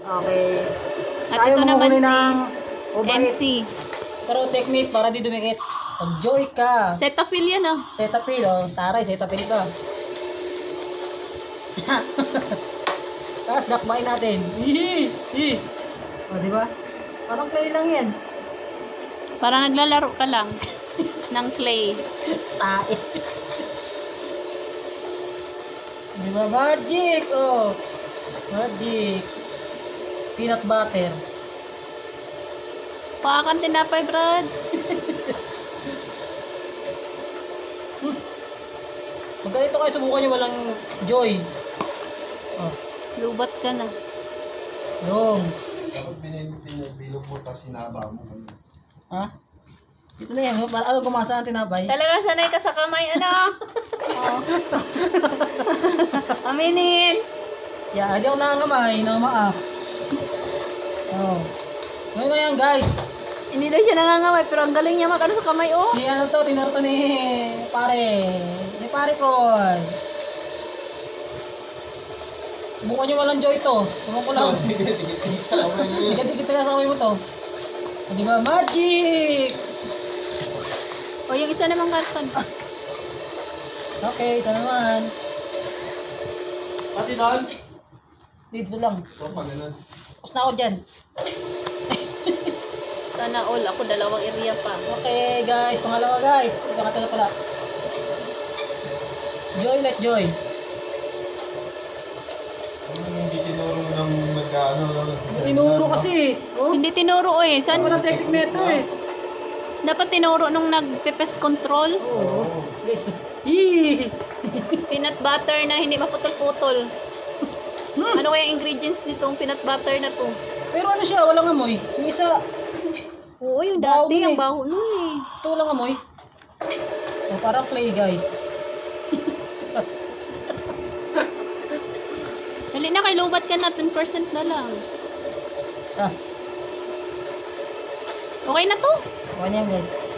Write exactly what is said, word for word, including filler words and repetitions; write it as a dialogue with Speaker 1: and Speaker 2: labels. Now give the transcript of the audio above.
Speaker 1: Okay.
Speaker 2: At
Speaker 1: Tayo
Speaker 2: ito naman
Speaker 1: manguhuli
Speaker 2: si
Speaker 1: ng
Speaker 2: M
Speaker 1: overheat.
Speaker 2: C.
Speaker 1: Pero technique para di dumikit. Pag-joy ka.
Speaker 2: Cetaphil yan ah.
Speaker 1: Cetaphil, oh. Taray, Cetaphil ka. Tapos dakbayin natin. Hihi! Hihi! O, di ba? Parang play lang yan.
Speaker 2: Parang naglalaro ka lang ng clay.
Speaker 1: Tae. Di ba? Magic! Oh. Magic. Peanut butter.
Speaker 2: Pakakan tinapay, Brad.
Speaker 1: Pag ganito kayo, subukan nyo walang joy. Oh.
Speaker 2: Lubat ka na.
Speaker 1: Long.
Speaker 3: Dapat binibilog mo tapos sinaba mo.
Speaker 1: Ha? Ito na yan. Ano gumasa ang tinapay?
Speaker 2: Talaga sanay ka sa kamay, ano? Oh. Aminin.
Speaker 1: Yeah, di ako nangangamay. Nangamaa. Oh. Ngayon na yan, guys.
Speaker 2: Hindi daw siya nangangamay, pero ang galing niya mag-ano sa kamay, oh.
Speaker 1: Ni ano to, tinuro to ni pare. Ni pare ko. Subukan nyo walang joy to. Subukan ko lang. Dikit-dikit na sa kamay mo to. O, diba? Magic!
Speaker 2: O, yung isa namang karton.
Speaker 1: Okay, isa naman.
Speaker 3: Pati doon?
Speaker 1: Dito lang.
Speaker 3: So, pag ganun.
Speaker 1: Tapos na ako dyan.
Speaker 2: Sana all. Ako dalawang area pa.
Speaker 1: Okay, guys. Pangalawa, guys. Ito katala pala. Joy, let joy.
Speaker 3: Ano yung hindi tinuro ng magkaano?
Speaker 1: Tinuro kasi. Oh,
Speaker 2: Hindi tinuro, eh.
Speaker 1: ano
Speaker 2: San?
Speaker 1: walang technique na ito eh.
Speaker 2: Dapat tinuro nung nag-pepes control.
Speaker 1: Oo. Guys. Yee!
Speaker 2: Peanut butter na hindi maputol-putol.
Speaker 1: Hmm.
Speaker 2: Ano kaya ingredients nitong peanut butter na to?
Speaker 1: Pero ano siya, walang amoy. Yung isa,
Speaker 2: Oo, yung
Speaker 1: Baho
Speaker 2: dati,
Speaker 1: eh.
Speaker 2: ang baho nun eh.
Speaker 1: ito walang amoy. So, parang clay, guys.
Speaker 2: Dali na, kay lubat ka na, ten percent na lang.
Speaker 1: Ah,
Speaker 2: Okay na to.
Speaker 1: okay na yan, guys.